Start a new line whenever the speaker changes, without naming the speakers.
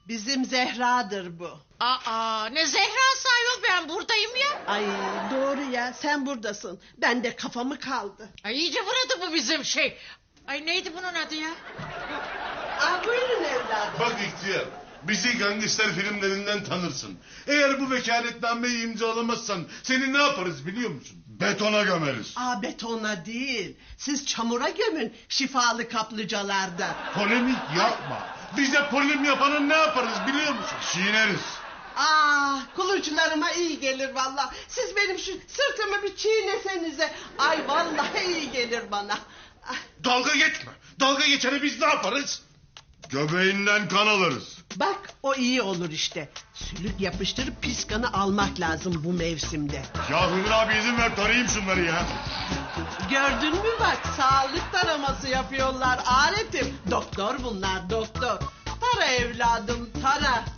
Bizim Zehra'dır bu.
Aa, ne Zehra'sı ayol, ben buradayım ya.
Ay doğru ya, sen buradasın. Ben de kafamı kaldı.
Ay iyice vuradı bu bizim şey. Ay neydi bunun adı ya?
Buyurun evladım.
Bak ihtiyar, bizi gangster filmlerinden tanırsın. Eğer bu vekaletnameyi imzalamazsan seni ne yaparız biliyor musun? Betona gömeriz.
Betona değil. Siz çamura gömün şifalı kaplıcalarda.
Polemik yapma. Bize polim yapanı ne yaparız biliyor musun? Çiğneriz.
Kuluçlarıma iyi gelir vallahi. Siz benim şu sırtımı bir çiğnesenize. Ay vallahi iyi gelir bana.
Dalga geçme. Dalga geçene biz ne yaparız? Göbeğinden kan alırız.
Bak o iyi olur işte. Sülük yapıştırıp pis kanı almak lazım bu mevsimde.
Ya Hıdır abi izin ver tarayayım şunları ya.
Gördün mü bak, sağlık taraması yapıyorlar aletim. Doktor bunlar, doktor. Tara evladım tara.